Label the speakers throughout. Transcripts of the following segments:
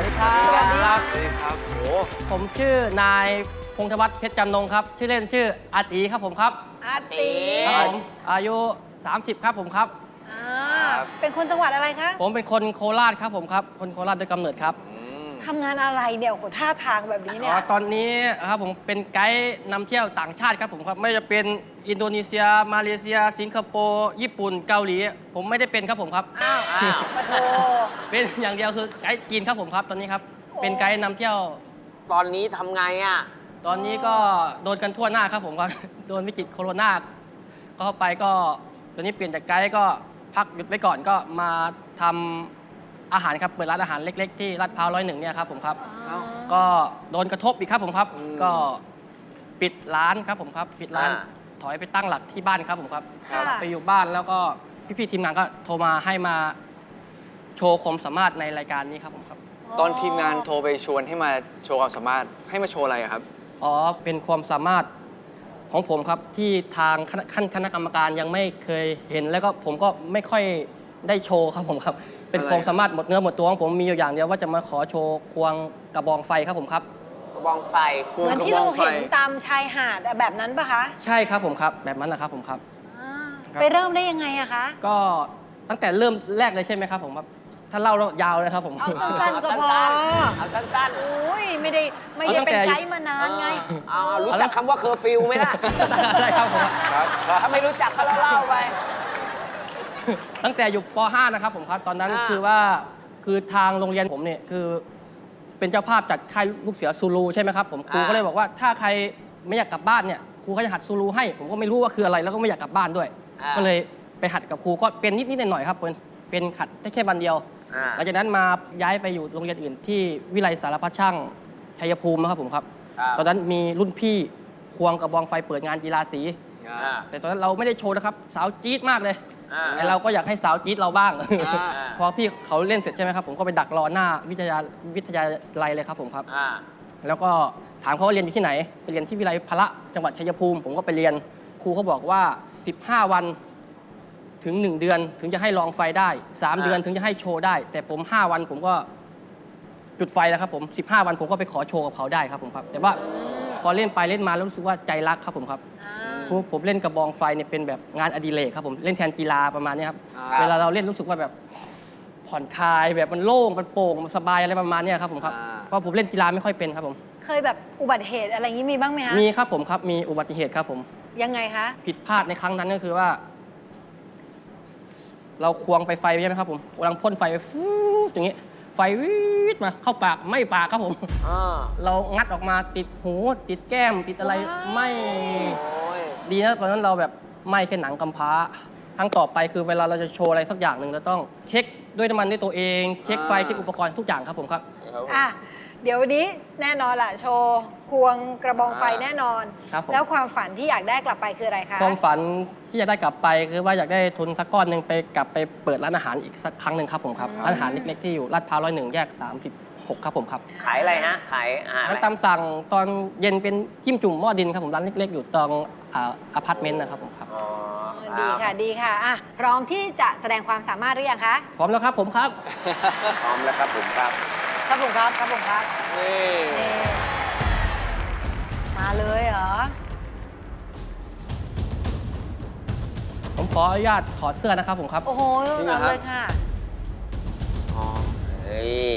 Speaker 1: วัสดีครับ
Speaker 2: สวัสดีครับโอ้
Speaker 1: ผมชื่อนายพงธวัฒน์เพชรจำนงครับชื่อเล่นชื่ออาตีครับผมครับ
Speaker 3: อาตี
Speaker 1: ครับผมอายุ30ครับผมครับ
Speaker 3: เป็นคนจังหวัดอะไรคะ
Speaker 1: ผมเป็นคนโคราชครับผมครับคนโคราชโดยกำเนิดครับ
Speaker 3: ทำงานอะไรเนี่ยโอ้โหท่าทางแบบนี้เนี่ย
Speaker 1: ตอนนี้ครับผมเป็นไกด์นำเที่ยวต่างชาติครับผมครับไม่ว่าจะเป็นอินโดนีเซียมาเลเซีย สิงคโปร์ญี่ปุ่นเกาหลีผมไม่ได้เป็นครับผมครับ
Speaker 3: อ้าวปะโท
Speaker 1: เป็นอย่างเดียวคือไกด์จีนครับผมครับตอนนี้ครับ
Speaker 3: โอ้
Speaker 1: เป็นไกด์นำเที่ยว
Speaker 2: ตอนนี้ทำไงอ่ะ
Speaker 1: ตอนนี้ก็โดนกันทั่วหน้าครับผมครับ โดนวิกฤตโควิดก็เข้าไปก็ตอนนี้เปลี่ยนจากไกด์ก็พักหยุดไว้ก่อนก็มาทำอาหารครับเปิดร้านอาหารเล็ก ๆ ที่ลาดพร้าว101เนี่ยครับผมครับ
Speaker 2: เอ้า
Speaker 1: ก็โดนกระทบอีกครับผมครับ ก็ปิดร้านครับผมครับ ปิดร้าน ถอยไปตั้งหลักที่บ้านครับผมครับ
Speaker 3: ค่ะ
Speaker 1: ไปอยู่บ้านแล้วก็พี่ๆทีมงานก็โทรมาให้มาโชว์ความสามารถในรายการนี้ครับผมครับ
Speaker 4: ตอนทีมงานโทรไปชวนให้มาโชว์ความสามารถให้มาโชว์อะไรอะครับ
Speaker 1: อ๋อ เป็นความสามารถของผมครับที่ทางคณะกรรมการยังไม่เคยเห็นแล้วก็ผมก็ไม่ค่อยได้โชว์ครับผมครับ เป็นความสามารถหมดเนื้อหมดตัวของผมมีอยู่อย่างเดียวว่าจะมาขอโชว์ควงกระบองไฟครับผมครับ
Speaker 2: กระบองไฟ
Speaker 3: เหมือนที่เราเห็นตามชายหาดแบบนั้นปะคะ
Speaker 1: ใช่ครับผมครับ แบบนั้นแหละครับผมครับ
Speaker 3: อ่า
Speaker 1: ครับ
Speaker 3: ไปเริ่มได้ยังไงอะคะ
Speaker 1: ก็ตั้งแต่เริ่มแรกเลยใช่ไหมครับผมครับ ถ้าเล่ายาวเลยครับผม
Speaker 3: เอาสั้นๆก็พอ
Speaker 2: เอาสั้น
Speaker 3: อุ้ยไม่ได้เป็นไกด์มานานไง
Speaker 2: ๆรู้จักคำว่าเคอร์ฟิวไหมล่ะ
Speaker 1: ได้ครับผม
Speaker 4: ครับ
Speaker 2: ถ้าไม่รู้จักก็เล่าไป
Speaker 1: ตั้งแต่อยู่ป .5 นะครับผมครับ ตอนนั้น
Speaker 2: อ่า
Speaker 1: คือว่าคือทางโรงเรียนผมเนี่ยคือเป็นเจ้าภาพจัดค่ายลูกเสือซูลูใช่ไหมครับผมครูก็เลยบอกว่าถ้าใครไม่อยากกลับบ้านเนี่ยครูก็จะหัดซูลูให้ ผมก็ไม่รู้ว่าคืออะไรแล้วก็ไม่อยากกลับบ้านด้วย ก็เลยไปหัดกับครูก็เป็นนิดๆหน่อยๆครับเป็นหัดได้แค่วันเดียว หลังจากนั้นมาย้ายไปอยู่โรงเรียนอื่นที่วิไลสารพัดช่างชัยภูมินะครับผมครับ ตอนนั้นมีรุ่นพี่ควงกระบองไฟเปิดงานกีฬาสี แต่ตอนนั้นเราไม่ได้โชว์นะครับสาวจี๊ดมากเลยแต่เราก็อยากให้สาวจี๊ดเราบ้าง พอพี่เขาเล่นเสร็จใช่ไหมครับผมก็ไปดักรอหน้าวิทยาลัยเลยครับผมครับ แล้วก็ถามเขาว่าเรียนอยู่ที่ไหนไปเรียนที่วิไลพละจังหวัดชัยภูมิผมก็ไปเรียนครูเขาบอกว่า 15 วันถึง 1 เดือนถึงจะให้ลองไฟได้ 3 เดือนถึงจะให้โชว์ได้ แต่ผม 5 วันผมก็จุดไฟแล้วครับผม 15 วันผมก็ไปขอโชว์กับเขาได้ครับผมครับ แต่ว่าพอเล่นไปเล่นมาแล้วรู้สึกว่าใจรักครับผมครับผมเล่นกระบองไฟเนี่ยเป็นแบบงานอดิเรกครับผมเล่นแทนกีฬาประมาณนี้ครับ เวลาเราเล่นรู้สึกว่าแบบผ่อนคลายแบบมันโล่งมันโปร่งมันสบายอะไรประมาณนี้ครับผมครับเพราะผมเล่นกีฬาไม่ค่อยเป็นครับผม
Speaker 3: เคยแบบอุบัติเหตุอะไรอย่างนี้มีบ้างไหมคะ
Speaker 1: มีครับผมครับมีอุบัติเหตุครับผม
Speaker 3: ยังไงคะ
Speaker 1: ผิดพลาดในครั้งนั้นก็คือว่า เราควงไปไฟใช่ไหมครับผมกำลังพ่นไฟไปฟู๊ดอย่างนี้ ไฟวิดมาเข้าปากไม่ปากครับผม เรางัดออกมาติดหูติดแก้มติดอะไรไม่ดีนะตอนนั้นเราแบบไม่แค่หนังกำพร้าครั้งต่อไปคือเวลาเราจะโชว์อะไรสักอย่างหนึ่งเราต้องเช็คด้วยน้ำมันด้วยตัวเองเช็คไฟเช็คอุปกรณ์ทุกอย่างครับผมครับ
Speaker 3: อ่ะเดี๋ยววันนี้แน่นอนล่ะโชว์ควงกระบองไฟแน่นอน
Speaker 1: ครับผม
Speaker 3: แล้วความฝันที่อยากได้กลับไปคืออะไรคะ
Speaker 1: ความฝันที่จะได้กลับไปคือว่าอยากได้ทุนสักก้อนหนึ่งไปกลับไปเปิดร้านอาหารอีกสักครั้งหนึ่งครับผมครับร้านอาหารเล็กๆที่อยู่ลาดพร้าว101 แยก 36 ครับผมครับ
Speaker 2: ขายอะไรฮะ ขายอาหาร
Speaker 1: ร้านตามสั่งตอนเย็นเป็นจิ้มจุ่มหม้อดินครับผมร้านเล็กๆอยู่ตรงอพาร์ตเมนต์นะครับผมครับ
Speaker 3: ดีค่ะดีค่ะอ่ะ พร้อมที่จะแสดงความสามารถหรือยังคะ
Speaker 1: พร้อมแล้วครับผมครับ
Speaker 2: พร้อมแล้วครับผมครับ
Speaker 3: ครับผมครับครับผมครับ
Speaker 4: นี่
Speaker 3: นี่มาเลยเหรอ
Speaker 1: ผมขออนุญาตถอดเสื้อนะครับผมครับ
Speaker 3: โอ้โหเอาเลยค่ะ
Speaker 2: เฮ้ย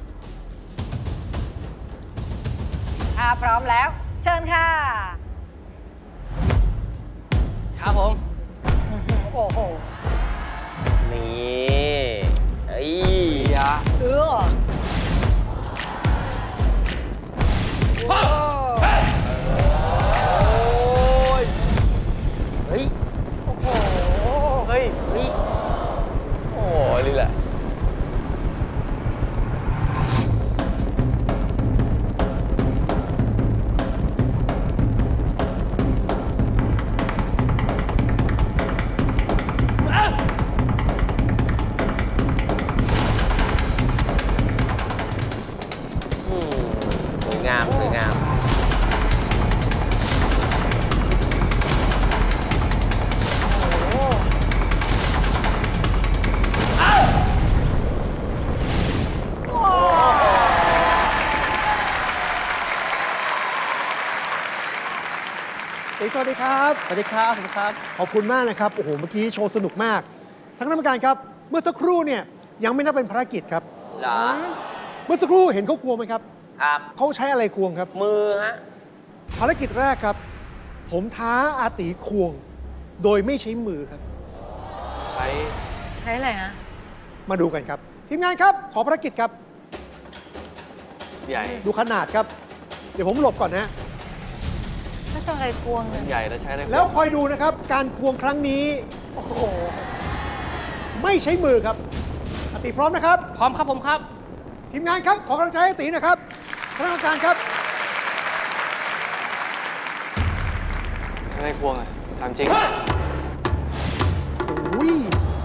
Speaker 3: ถ้าพร้อมแล้ว เชิญค่ะ
Speaker 1: ครับผม
Speaker 3: โอ้โห
Speaker 2: นี่เฮ้ย
Speaker 4: ยะ
Speaker 3: เออโอ้
Speaker 2: เฮ้ย
Speaker 3: โอ้โห
Speaker 4: เฮ้ย
Speaker 2: เฮ้ย
Speaker 4: โอ้ยนี่แหละ
Speaker 3: โ
Speaker 5: วัสดีครับ
Speaker 1: สวัสดีครับผมครับ
Speaker 5: ขอบคุณมากนะครับ โอ้โห เมื่อกี้โชว์สนุกมาก ทั้งคณะกรรมการครับ เมื่อสักครู่เนี่ยยังไม่นับเป็นภารกิจครับ
Speaker 2: เหรอ
Speaker 5: เมื่อสักครู่เห็นเขาควงไหมครับ
Speaker 2: ครับ
Speaker 5: เขาใช้อะไรควงครับ
Speaker 2: มือฮะ
Speaker 5: ภารกิจแรกครับ ผมท้าอาตีควง โดยไม่ใช้มือครับ
Speaker 4: ใช้
Speaker 3: ใช้อะไรฮะ
Speaker 5: มาดูกันครับ ทีมงานครับ ขอภารกิจครับ
Speaker 4: ใหญ่
Speaker 5: ดูขนาดครับ เดี๋ยวผมหลบก่อนนะ
Speaker 3: ถ้าจะอะไรควงเนี่ย
Speaker 4: ใหญ่แล้วใช้อะไร
Speaker 5: แล้วคอยดูนะครับ การควงครั้งนี้
Speaker 3: โอ้โห
Speaker 5: ไม่ใช้มือครับอาตีพร้อมนะครับ
Speaker 1: พร้อมครับผมครับ
Speaker 5: ทีมงานครับ ขอกำลังใจให้ตีนะครับคณะกรรมการครับ
Speaker 4: อะไรควงอ่ะถามจริง
Speaker 5: อุ้ย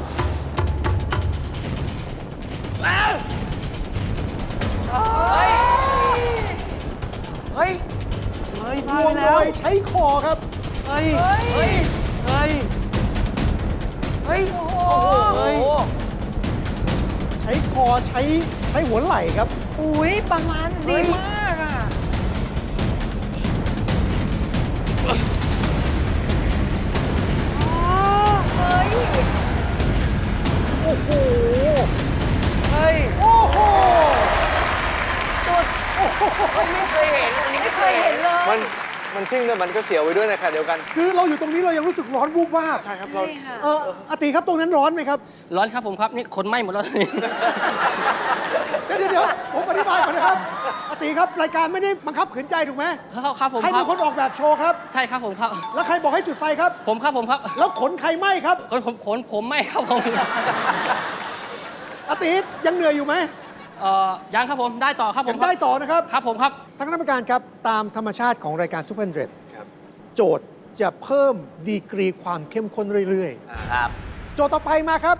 Speaker 2: เฮ้ย
Speaker 4: เฮ้ย
Speaker 5: ค
Speaker 4: พลาว ด
Speaker 5: ง
Speaker 4: ไป
Speaker 5: โด
Speaker 4: แล้ว
Speaker 5: ยใช้คอครับ
Speaker 4: เฮ้ย เฮ้ย เฮ้ย
Speaker 2: เฮ้ย โอ้โห
Speaker 4: เฮ้ย
Speaker 5: ใช้คอใช้หัวไหล่ครับ
Speaker 3: อุ้ยบาลานซ์ดีมากอ่ะ เฮ้ย
Speaker 5: โอ้โห
Speaker 4: เฮ้ย
Speaker 5: โอ้โห
Speaker 2: ไม่เคยเห็น อันนี้ไม่เคยเห็น
Speaker 3: เลย
Speaker 4: มันทึ่งแต่มันก็เสียวไปด้วยในขณะเดียวกัน
Speaker 5: คือเราอยู่ตรงนี้เรายังรู้สึกร้อนวูบวาบ
Speaker 4: ใช่ครับ เรา
Speaker 3: ใช่ค่ะ
Speaker 5: อาติครับตรงนั้นร้อนไหมครับ
Speaker 1: ร้อนครับผมครับ นี่ขนไหม้หมดแล้ว
Speaker 5: เดี๋ยวผมอธิบายก่อนนะครับอาติครับรายการไม่ได้บังคับขืนใจถูกไหม
Speaker 1: ครับผม
Speaker 5: ใคร
Speaker 1: ค
Speaker 5: เป็
Speaker 1: รับ
Speaker 5: นคนออกแบบโชว์ครับ
Speaker 1: ใช่ครับผมครับ
Speaker 5: แล้วใครบอกให้จุดไฟครับ
Speaker 1: ผมครับผมครับ
Speaker 5: แล้วขนใครไหมครับ
Speaker 1: ผมไม่ครับผม
Speaker 5: อาติยังเหนื่อยอยู่ไหม
Speaker 1: ยังครับผมได้ต่อครับผ
Speaker 5: ยั
Speaker 1: ม
Speaker 5: งได้ต่อนะครับ
Speaker 1: ครับผมครับ
Speaker 5: ท่านคณะกรรมการครับ ตามธรรมชาติของรายการซูเปอร์เดร
Speaker 4: ครับ
Speaker 5: โจทย์จะเพิ่มดีกรีความเข้มข้นเรื่อย
Speaker 2: ครับ
Speaker 5: ๆ โจทย์ต่อไปมาครับ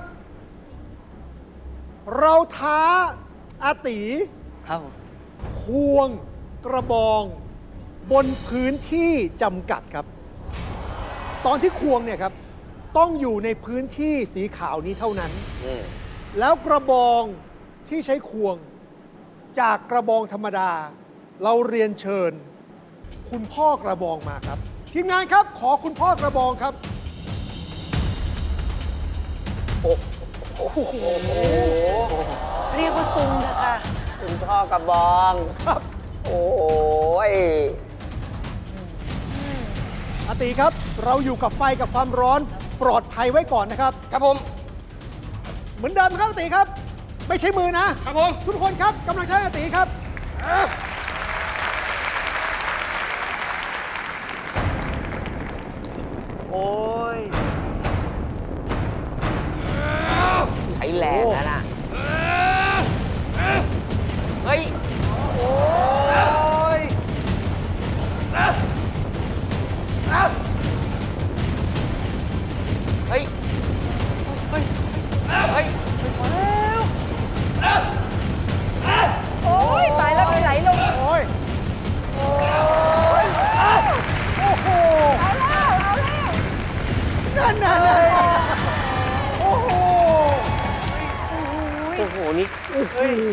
Speaker 5: เราท้าอาติ
Speaker 1: ครับผม
Speaker 5: ควงกระบอง บนพื้นที่จำกัดครับ ตอนที่ควงเนี่ยครับ ต้องอยู่ในพื้นที่สีขาวนี้เท่านั้น
Speaker 2: อืม
Speaker 5: แล้วกระบองที่ใช้ควงจากกระบองธรรมดา เราเรียนเชิญ คุณพ่อกระบองมาครับ ทีมงานครับขอคุณพ่อกระบองครับ
Speaker 3: เรียกว่าซุงเถอะค่ะ
Speaker 2: คุณพ่อกระบอง
Speaker 5: ครับ
Speaker 2: โอ้ย
Speaker 5: อาติครับ เราอยู่กับไฟกับความร้อนปลอดภัยไว้ก่อนนะครับ
Speaker 1: ครับผม
Speaker 5: เหมือนเดิมครับอาติครับ ไม่ใช้มือนะ
Speaker 1: ครับผม
Speaker 5: ทุกคนครับกำลังใช้อาติครับ
Speaker 4: โอ้ย
Speaker 2: ใช้แรงนะน่ะ เฮ้ย
Speaker 4: โอ้ย
Speaker 2: เฮ้ย
Speaker 4: เฮ้ย
Speaker 2: เฮ้ย
Speaker 3: โอ้ยตายแล้วไปไหลลง
Speaker 5: โอ้ย โอ้โห
Speaker 3: เอาแล้ว เอาแล้ว
Speaker 5: นั่นน่ะโอ้โห
Speaker 2: โอ้โห นี่
Speaker 5: โอ้โห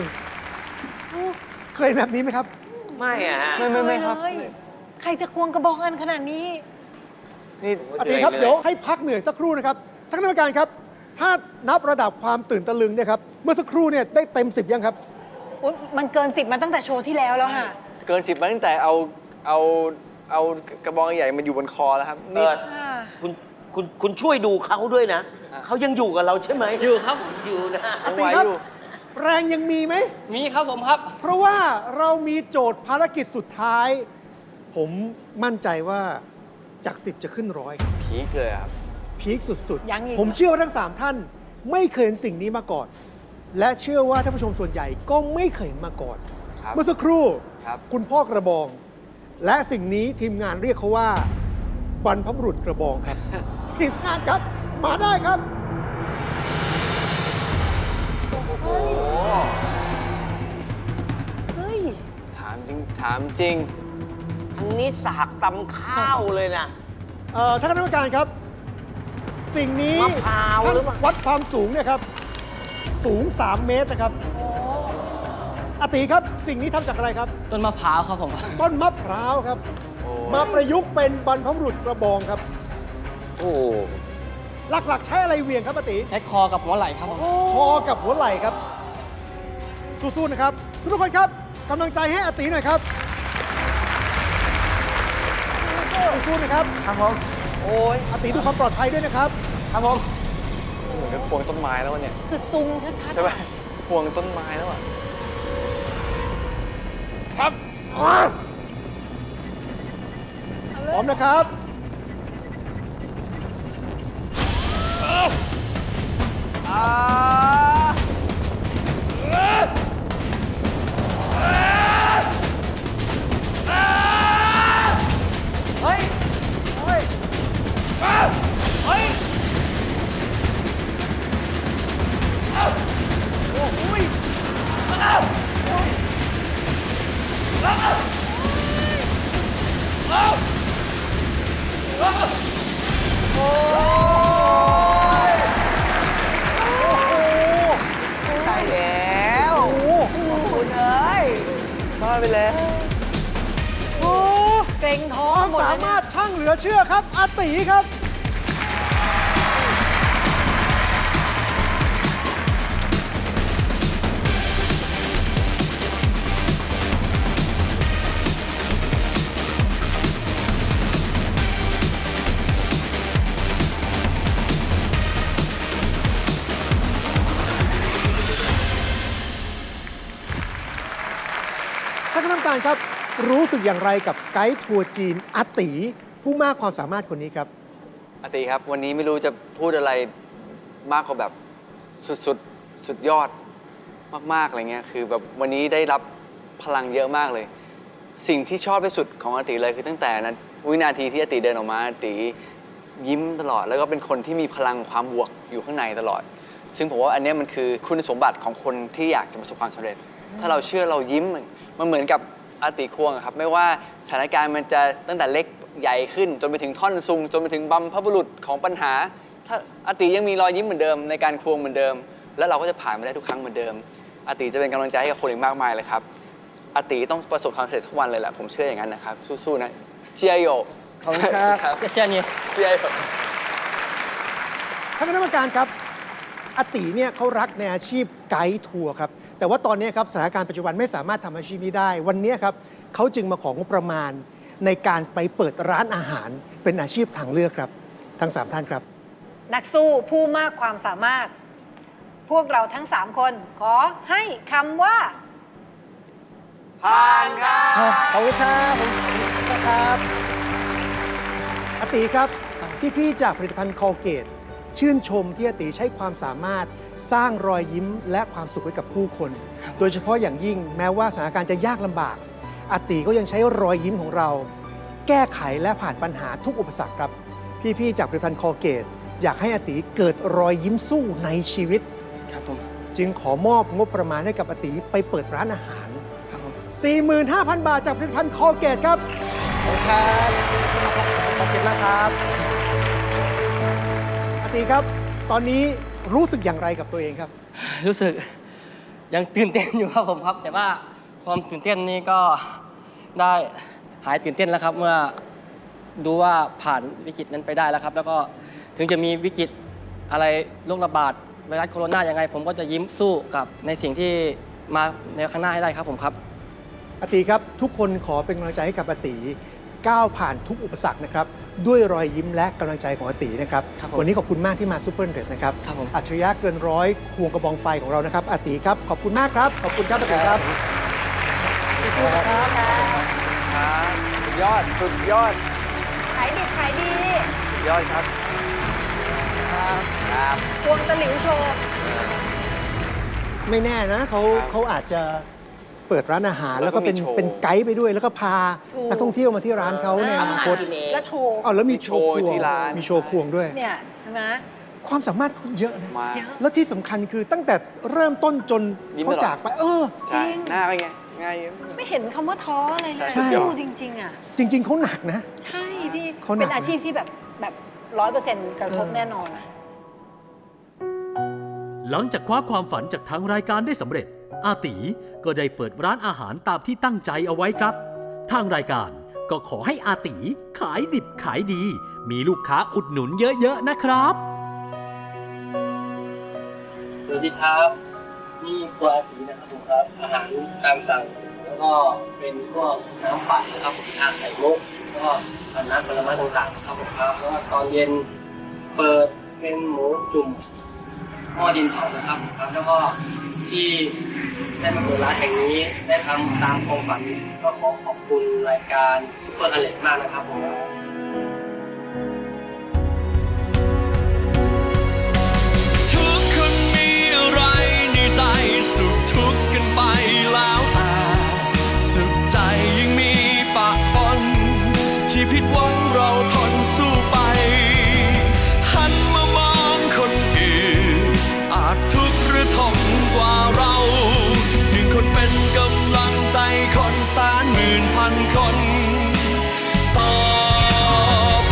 Speaker 5: เคยแบบนี้ไหมครับ
Speaker 2: ไม่อะฮะ
Speaker 4: ไม่ครับ
Speaker 3: เลยใครจะควงกระบองกันขนาดนี้
Speaker 4: นี่
Speaker 5: อาติครับ
Speaker 2: เหนื่อยเลย
Speaker 5: เดี๋ยวให้พักเหนื่อยสักครู่นะครับท่านคณะกรรมการครับ ถ้านับระดับความตื่นตะลึงเนี่ยครับ เมื่อสักครู่เนี่ยได้เต็ม 10 ยังครับ
Speaker 3: อุ๊ยมันเกิน 10มาตั้งแต่โชว์ที่แล้วแล้วค่ะ
Speaker 4: เกิน 10มาตั้งแต่เอากระบองใหญ่มาอยู่บนคอแล้วครับ นี่
Speaker 3: ค่ะ
Speaker 2: คุณช่วยดูเขาด้วยนะ เขายังอยู่กับเราใช่ไหม
Speaker 1: อยู่ครับ
Speaker 2: อยู่นะ
Speaker 5: อา
Speaker 4: ยัง
Speaker 5: ติ
Speaker 4: ไหว
Speaker 5: ครับ
Speaker 4: อยู่
Speaker 5: แรงยังมีไหม
Speaker 1: มีครับผมครับ
Speaker 5: เพราะว่าเรามีโจทย์ภารกิจสุดท้าย ผมมั่นใจว่าจาก 10 จะขึ้นร้อยครับ
Speaker 4: ผีเกลือครับ
Speaker 5: พีคสุด
Speaker 3: ยังอีก
Speaker 5: ผมเชื่อว่าทั้ง 3 ท่านไม่เคยเห็นสิ่งนี้มาก่อน และเชื่อว่าท่านผู้ชมส่วนใหญ่ก็ไม่เคยเห็นมาก่อน
Speaker 4: ครับ
Speaker 5: เมื่อสักครู่
Speaker 4: ครับ
Speaker 5: คุณพ่อกระบอง และสิ่งนี้ทีมงานเรียกเขาว่า บรรพบุรุษกระบองครับ ทีมงานครับ มาได้ครับ
Speaker 3: เฮ้ย
Speaker 4: ถามจริง
Speaker 2: อันนี้สากตำข้าวเลยนะ
Speaker 5: ท่านคณะกรรมการครับ สิ่งนี้
Speaker 2: มะพร้าว
Speaker 5: ท่าน
Speaker 2: หรือเปล่า
Speaker 5: วัดความสูงเนี่ยครับ สูง 3 เมตรนะครับอาติครับ สิ่งนี้ทำจากอะไรครับ
Speaker 1: ต้นมะพร้าวครับผม
Speaker 5: ต้นมะพร้าวครับ
Speaker 4: โอ้
Speaker 5: มาประยุกต์เป็นบรรพบุรุษกระบองครับ
Speaker 2: โอ้
Speaker 5: หลักๆ ใช้อะไรเหวี่ยงครับอาติ
Speaker 1: ใช้คอกับหัวไหล่ครับผม
Speaker 5: คอกับหัวไหล่ครับ สู้ๆนะครับ ทุกคนครับกำลังใจให้อาติหน่อยครับสู้ๆนะครับ
Speaker 1: ครับผม
Speaker 4: โอ้ย
Speaker 5: อาติดูความปลอดภัยด้วยนะครับ
Speaker 1: ครับผม
Speaker 4: เหมือนกับควงต้นไม้แล้วเนี่ย
Speaker 3: คือซุงชัด
Speaker 4: ใช่ป่ะควงต้นไม้แล้วอ่ะ
Speaker 1: ครับ
Speaker 5: พร้อมนะครับ
Speaker 2: ใช่แล้ว
Speaker 5: โอ้โห
Speaker 2: คุณเอ้ย
Speaker 4: บ้าไปแล้ว
Speaker 3: เกรงท้อ
Speaker 5: ค
Speaker 3: ง
Speaker 5: วาม
Speaker 3: หมด
Speaker 5: สา
Speaker 3: เลย
Speaker 5: มารถช่างเหลือเชื่อครับ อาติครับ ท่านคณะกรรมการครับ รู้สึกอย่างไรกับไกด์ทัวร์จีนอาติผู้มากความสามารถคนนี้ครับ
Speaker 4: อาติครับ วันนี้ไม่รู้จะพูดอะไรมากกว่าแบบสุดยอดมากๆอะไรเงี้ยคือแบบวันนี้ได้รับพลังเยอะมากเลย สิ่งที่ชอบที่สุดของอาติเลยคือตั้งแต่นั้นวินาทีที่อาติเดินออกมาอาติยิ้มตลอด แล้วก็เป็นคนที่มีพลังความบวกอยู่ข้างในตลอด ซึ่งผมว่าอันเนี้ยมันคือคุณสมบัติของคนที่อยากจะประสบความสำเร็จ ถ้าเราเชื่อเรายิ้มมันเหมือนกับอาติควงอะครับไม่ว่าสถานการณ์มันจะตั้งแต่เล็กใหญ่ขึ้น จนไปถึงท่อนซุงจนไปถึงบัมพบุรุษของปัญหา ถ้าอาติยังมีรอยยิ้มเหมือนเดิมในการควงเหมือนเดิม แล้วเราก็จะผ่านมาได้ทุกครั้งเหมือนเดิมอาติจะเป็นกำลังใจให้กับคนอีกมากมายเลยครับอาติต้องประสบความสำเร็จสักวันเลยแหละผมเชื่ออย่างนั้นนะครับสู้ๆนะเจียโย
Speaker 1: ขอบคุณครับเชี่ยนี่
Speaker 4: เจียโย
Speaker 5: ท่านคณะกรรมการครับอาติเนี่ยเขารักในอาชีพไกด์ทัวร์ครับ แต่ว่าตอนนี้ครับสถานการณ์ปัจจุบันไม่สามารถทำอาชีพนี้ได้ วันนี้ครับเขาจึงมาของงบประมาณในการไปเปิดร้านอาหารเป็นอาชีพทางเลือกครับ ทั้ง 3 ท่านครับ
Speaker 3: นักสู้ผู้มากความสามารถ พวกเราทั้ง 3 คนขอให้คำว่า
Speaker 4: ผ่านครับ
Speaker 1: ขอบคุณครับผมครับ
Speaker 5: อาติครับพี่ๆจากผลิตภัณฑ์คอลเกตชื่นชมที่อาติใช้ความสามารถสร้างรอยยิ้มและความสุขให้กับผู้คน โดยเฉพาะอย่างยิ่งแม้ว่าสถานการณ์จะยากลำบากอาติก็ยังใช้รอยยิ้มของเรา แก้ไขและผ่านปัญหาทุกอุปสรรคครับ พี่ๆจากผลิตภัณฑ์คอลเกตอยากให้อาติเกิดรอยยิ้มสู้ในชีวิต
Speaker 1: ครับผม
Speaker 5: จึงขอมอบงบประมาณให้กับอาติไปเปิดร้านอาหาร
Speaker 1: ครับผม
Speaker 5: 45,000 บาทจากผลิตภัณฑ์คอลเกตครับ
Speaker 1: ขอบคุณครับขอบคุณมากครับ
Speaker 5: อาติครับ ตอนนี้รู้สึกอย่างไรกับตัวเองครับ
Speaker 1: รู้สึกยังตื่นเต้นอยู่ครับผมครับ แต่ว่าความตื่นเต้นนี้ก็ได้หายตื่นเต้นแล้วครับ เมื่อดูว่าผ่านวิกฤตนั้นไปได้แล้วครับ แล้วก็ถึงจะมีวิกฤตอะไรโรคระบาดไวรัสโคโรนายังไง ผมก็จะยิ้มสู้กับในสิ่งที่มาในข้างหน้าให้ได้ครับผมครับ
Speaker 5: อาติครับ ทุกคนขอเป็นกำลังใจให้กับอาติก้าวผ่านทุกอุปสรรคนะครับด้วยรอยยิ้มและกำลังใจของอาตินะครับ
Speaker 1: ครับผม
Speaker 5: วันนี้ขอบคุณมากที่มาซูเปอร์เดรสนะครับ
Speaker 1: ครับผม
Speaker 5: อัจฉริยะเกินร้อยควงกระบองไฟของเรานะครับอาติครับขอบคุณมากครับขอบคุณครับอาติครับสู้ๆนะครับ
Speaker 4: ครับสุดยอดสุดยอด
Speaker 3: ขายดิบขายดี
Speaker 4: สุดยอดครับครับ
Speaker 3: ควงตะหลิวโชว์
Speaker 5: ไม่แน่นะเขาอาจจะเปิดร้านอาหาร
Speaker 4: แล้
Speaker 5: แล้ว
Speaker 4: วก็
Speaker 5: ก็เป็น
Speaker 4: มีโชว์
Speaker 5: เป็นไกด์ไปด้วย แล้วก็พา
Speaker 3: ถูก
Speaker 5: นักท่องเที่ยวมาที่ร้านเขาในอนาคต
Speaker 2: กินเอง
Speaker 3: และโชว์
Speaker 5: อ้าวแล้วมี
Speaker 4: มีโชว์
Speaker 5: ควง
Speaker 4: ที่ร้าน
Speaker 5: มีโชว์ควงด้วย
Speaker 3: เนี่ยใช่ไหม
Speaker 5: ความสามารถเขาเยอะนะ
Speaker 4: มา
Speaker 3: เยอะ
Speaker 5: แล้วที่สำคัญคือตั้งแต่เริ่มต้นจน
Speaker 4: ยิ้ม
Speaker 5: เขา
Speaker 4: ตลอด
Speaker 5: จากไป
Speaker 3: จริ
Speaker 4: ใช่
Speaker 3: ง
Speaker 4: หน้าเป็นไงง่าย
Speaker 3: ไม่เห็นคำว่าท้อเลยนะ
Speaker 5: ใช่
Speaker 3: สู้จริง ๆ อ่ะ
Speaker 5: จริง ๆเขาหนักนะ
Speaker 3: ใช่พี่
Speaker 5: เขาหนัก
Speaker 3: เป็นอาชีพที่แบบ100%กระทบแน่นอนอะ
Speaker 6: หลังจากคว้าความฝันจากทางรายการได้สำเร็จ อาตีก็ได้เปิดร้านอาหารตามที่ตั้งใจเอาไว้ครับ ทางรายการก็ขอให้อาตีขายดิบขายดี มีลูกค้าอุดหนุนเยอะๆนะครับ
Speaker 1: สวัสดีครับนี่ครัวอาตีนะครับผมครับอาหารตามสั่งแล้วก็เป็นพวกน้ำปั่นนะครับผมชาไข่มุกแล้วก็น้ำผลไม้ต่างๆครับผมครับแล้วก็ตอนเย็นเปิดเป็นหมูจุ่มหม้อดินเผานะครับครับแล้วก็ที่ได้มาเปิดร้านแห่งนี้ได้ทำตามความฝันก็ขอขอบคุณรายการซุปเปอร์อเล็กมากนะครับผม
Speaker 7: ทุกคนมีอะไรในใจสุขทุกข์กันไปแล้วแต่สุขใจยังมีปะปนที่ผิดหวังเราทนสู้ไปหันมามองคนอื่นอาจทุกข์หรือทนกว่าเราหนึ่งคนเป็นกำลังใจคนแสนหมื่นพันคนต่อไป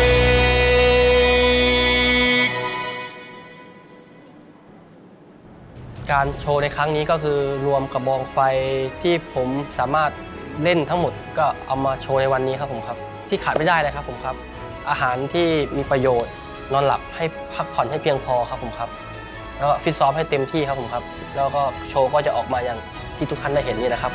Speaker 1: การโชว์ในครั้งนี้ก็คือรวมกระบองไฟที่ผมสามารถเล่นทั้งหมดก็เอามาโชว์ในวันนี้ครับผมครับที่ขาดไม่ได้เลยครับผมครับอาหารที่มีประโยชน์นอนหลับให้พักผ่อนให้เพียงพอครับผมครับแล้วก็ฟิตซ้อมให้เต็มที่ครับผมครับแล้วก็โชว์ก็จะออกมาอย่างที่ทุกท่านได้เห็นนี่นะครับผม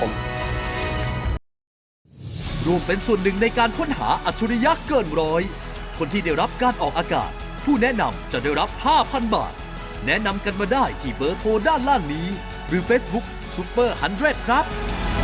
Speaker 6: ร่วมเป็นส่วนหนึ่งในการค้นหาอัจฉริยะเกินร้อยคนที่ได้รับการออกอากาศ ผู้แนะนำจะได้รับ 5,000 บาท แนะนำกันมาได้ที่เบอร์โทรด้านล่างนี้ หรือ Facebook Super 100 ครับ